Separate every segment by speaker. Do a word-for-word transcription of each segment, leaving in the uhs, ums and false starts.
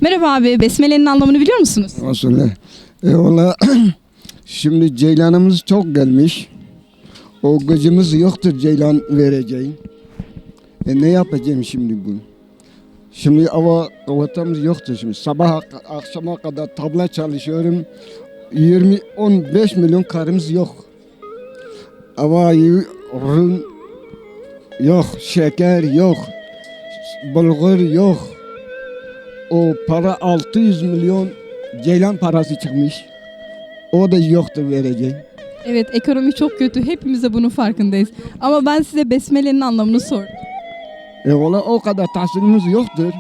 Speaker 1: Merhaba abi, Besmele'nin anlamını biliyor musunuz?
Speaker 2: Aslında e valla şimdi ceylanımız çok gelmiş. O gıcımız yoktur ceylan vereceğim. E ne yapacağım şimdi bu? Şimdi ama kavatamız yoktur şimdi. Sabah akşama kadar tabla çalışıyorum. yirmi on beş milyon karımız yok. Ama ürün yok, şeker yok, bulgur yok. O para altı yüz milyon ceylan parası çıkmış. O da yoktur vereceğim.
Speaker 1: Evet, ekonomi çok kötü. Hepimiz de bunun farkındayız. Ama ben size Besmele'nin anlamını sordum.
Speaker 2: E valla o kadar tahsilimiz yoktur.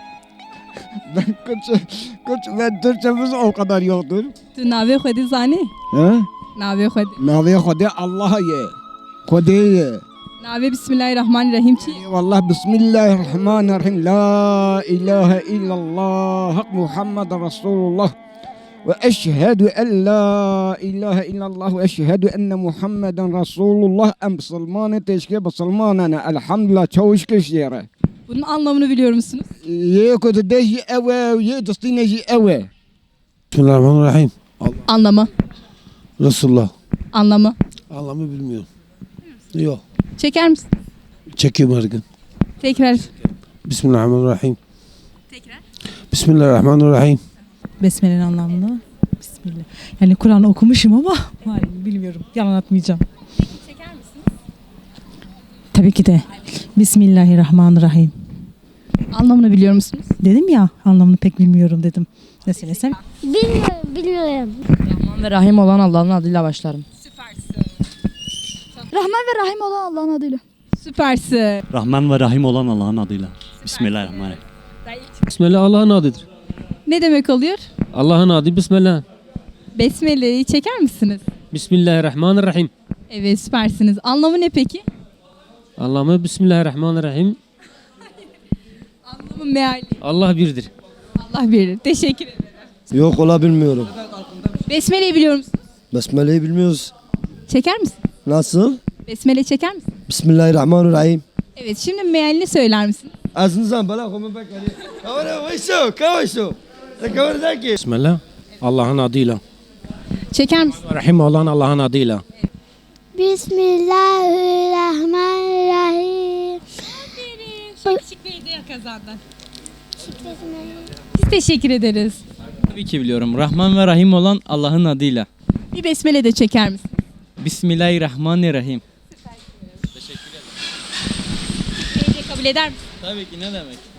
Speaker 2: ben Kürtçe, Kürtçe ve Türkçemiz o kadar yoktur.
Speaker 1: Tu nave khodi zani?
Speaker 2: He?
Speaker 1: Nave khodi.
Speaker 2: Navi Khude Allah'a ye. Khude ye.
Speaker 1: Nave Bismillahirrahmanirrahim çi.
Speaker 2: Wallah Bismillahirrahmanirrahim. La ilahe illallah. Hak Muhammed Resulullah. Ve eşhedü en la ilahe illallah ve eşhedü enne Muhammeden Resulullah em Müslümanı teşkil Müslümanına elhamdülillah çavuş kişilere.
Speaker 1: Bunun anlamını biliyor musunuz?
Speaker 2: Ye kudu de ye eve ye dostine ye eve.
Speaker 3: Bismillahirrahmanirrahim.
Speaker 1: Anlamı.
Speaker 3: Resulullah.
Speaker 1: Anlamı.
Speaker 3: Anlamı bilmiyorum. Yok.
Speaker 1: Çeker misin?
Speaker 3: Çekiyorum her gün.
Speaker 1: Tekrar.
Speaker 3: Bismillahirrahmanirrahim.
Speaker 1: Tekrar.
Speaker 3: Bismillahirrahmanirrahim.
Speaker 4: Besmele'nin anlamını. Bismillah. Yani Kur'an okumuşum ama hayır, bilmiyorum. Yalan atmayacağım.
Speaker 1: Çeker misiniz?
Speaker 4: Tabii ki de. Bismillahirrahmanirrahim.
Speaker 1: Anlamını biliyor musunuz?
Speaker 4: Dedim ya, anlamını pek bilmiyorum dedim. Ne söylesem?
Speaker 5: Bilmiyorum, bilmiyorum.
Speaker 6: Rahman ve Rahim olan Allah'ın adıyla başlarım.
Speaker 1: Süpersin.
Speaker 5: Rahman ve Rahim olan Allah'ın adıyla.
Speaker 1: Süpersin.
Speaker 7: Rahman ve Rahim olan Allah'ın adıyla. Bismillahirrahmanirrahim.
Speaker 8: Bismillah Allah'ın adıdır.
Speaker 1: Ne demek oluyor?
Speaker 8: Allah'ın adı Bismillah.
Speaker 1: Besmele'yi çeker misiniz?
Speaker 8: Bismillahirrahmanirrahim.
Speaker 1: Evet, süpersiniz. Anlamı ne peki?
Speaker 8: Allah'ımı Bismillahirrahmanirrahim.
Speaker 1: Anlamı meali.
Speaker 8: Allah birdir.
Speaker 1: Allah bilir. Teşekkür ederim.
Speaker 9: Yok ola bilmiyorum.
Speaker 1: Besmele'yi biliyor musunuz?
Speaker 9: Besmele'yi bilmiyoruz.
Speaker 1: Çeker misin?
Speaker 9: Nasıl?
Speaker 1: Besmele çeker misin?
Speaker 9: Bismillahirrahmanirrahim.
Speaker 1: Evet, şimdi mealini söyler misin?
Speaker 9: Ağzınızdan bana koyma bak hadi. Kavara vayso, kavaşo. Ne kavara ki?
Speaker 8: Bismillah. Allah'ın adıyla.
Speaker 1: Çeker misin?
Speaker 8: Rahim olan Allah'ın adıyla.
Speaker 5: Bismillahirrahmanirrahim.
Speaker 1: Şık bir hediye kazandın. Biz teşekkür ederiz.
Speaker 6: Tabii ki biliyorum. Rahman ve Rahim olan Allah'ın adıyla.
Speaker 1: Bir besmele de çeker misin?
Speaker 6: Bismillahirrahmanirrahim.
Speaker 1: Hediye kabul eder misin?
Speaker 6: Tabii ki ne demek?